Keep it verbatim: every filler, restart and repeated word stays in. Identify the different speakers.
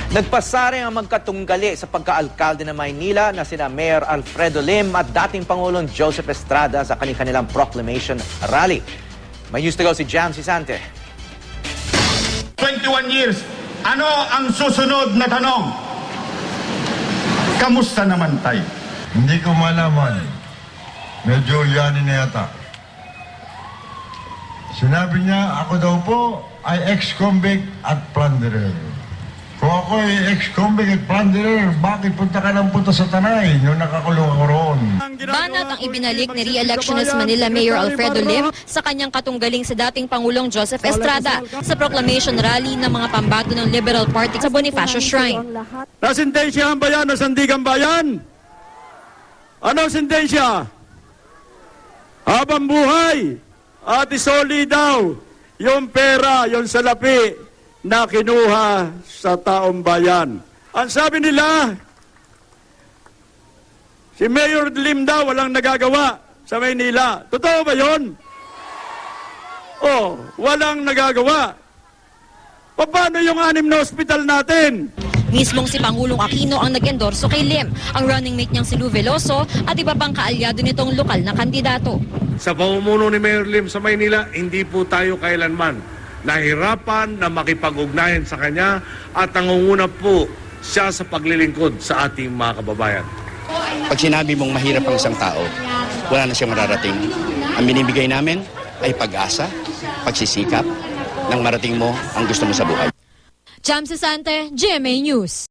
Speaker 1: Nagpasaring ang magkatunggali sa pagkaalkalde ng Maynila na sina Mayor Alfredo Lim at dating Pangulong Joseph Estrada sa kanilang proclamation rally. May news to go si Jam Sisante.
Speaker 2: twenty-one years, ano ang susunod na tanong? Kamusta naman tayo?
Speaker 3: Hindi ko malaman. Medyo yanin na yata. Sinabi niya, ako daw po ay ex-convict at plunderer. Kung ako ay ex-convict at plunderer, bakit punta ka ng punta sa Tanay nung nakakulong ako roon?
Speaker 4: Banat ang ibinalik ni re-electionist Manila Mayor Alfredo Lim sa kanyang katunggaling sa dating Pangulong Joseph Estrada sa proclamation rally ng mga pambato ng Liberal Party sa Bonifacio Shrine.
Speaker 5: Nasintensyahan ba yan o sandigan bayan? Ano sintensya? Habang buhay at isoli daw yung pera, yung salapi na kinuha sa taong bayan. Ang sabi nila, si Mayor Lim daw walang nagagawa sa Maynila. Totoo ba yun? Oh, walang nagagawa. Paano yung anim na ospital natin?
Speaker 4: Mismong si Pangulong Aquino ang nag-endorso kay Lim, ang running mate niyang si Lou Veloso at iba pang kaalyado nitong lokal na kandidato.
Speaker 6: Sa pamumuno ni Mayor Lim sa Maynila, hindi po tayo kailanman nahirapan na makipag-ugnayan sa kanya at nangunguna po siya sa paglilingkod sa ating mga kababayan.
Speaker 7: Pag sinabi mong mahirap ang isang tao, wala na siyang mararating. Ang binibigay namin ay pag-asa, pagsisikap, nang marating mo ang gusto mo sa buhay.
Speaker 4: Jam Sisante, G M A News.